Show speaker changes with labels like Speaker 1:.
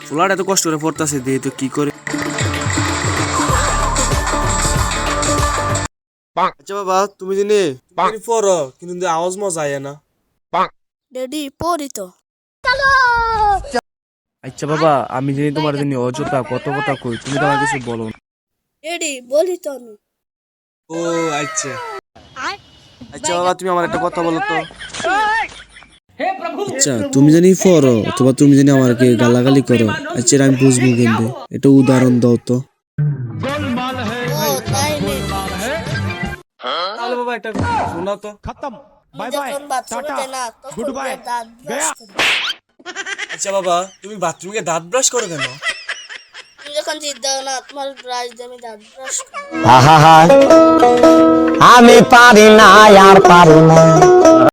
Speaker 1: পোলাটা এত কষ্ট করে পড়তাছে দিয়ে তো কি করে। আচ্ছা বাবা তুমি জানি পড়ো কিন্তু আওয়াজ মজা আয় না।
Speaker 2: ড্যাডি পড়ি তো।
Speaker 1: আচ্ছা বাবা আমি জানি তোমার জানি অযথা কত কথা কই, তুমি তো আমার কিছু বলো না।
Speaker 2: ড্যাডি বলি তো আমি।
Speaker 1: ও আচ্ছা আচ্ছা বাবা তুমি আমার একটা কথা বলো তো। আচ্ছা তুমি জানি পড়ো অথবা তুমি জানি আমাকে গালাগালি করো, আচ্ছা আমি বুঝবো কিন্তু এটা উদাহরণ দাও তো।
Speaker 2: ও তাই নে।
Speaker 1: তাহলে বাবা এটা শোনাও তো।
Speaker 2: আমি যখন বাথরুমে যাই না তখন গিয়ে দাঁত ব্রাশ করি।
Speaker 1: আচ্ছা বাবা তুমি বাথরুমে দাঁত ব্রাশ করো কেন?
Speaker 2: তুমি যখন জিদ দাও না তোমার ব্রাশ দিয়ে আমি দাঁত ব্রাশ করি।
Speaker 3: আমি পারি না আর পারি না।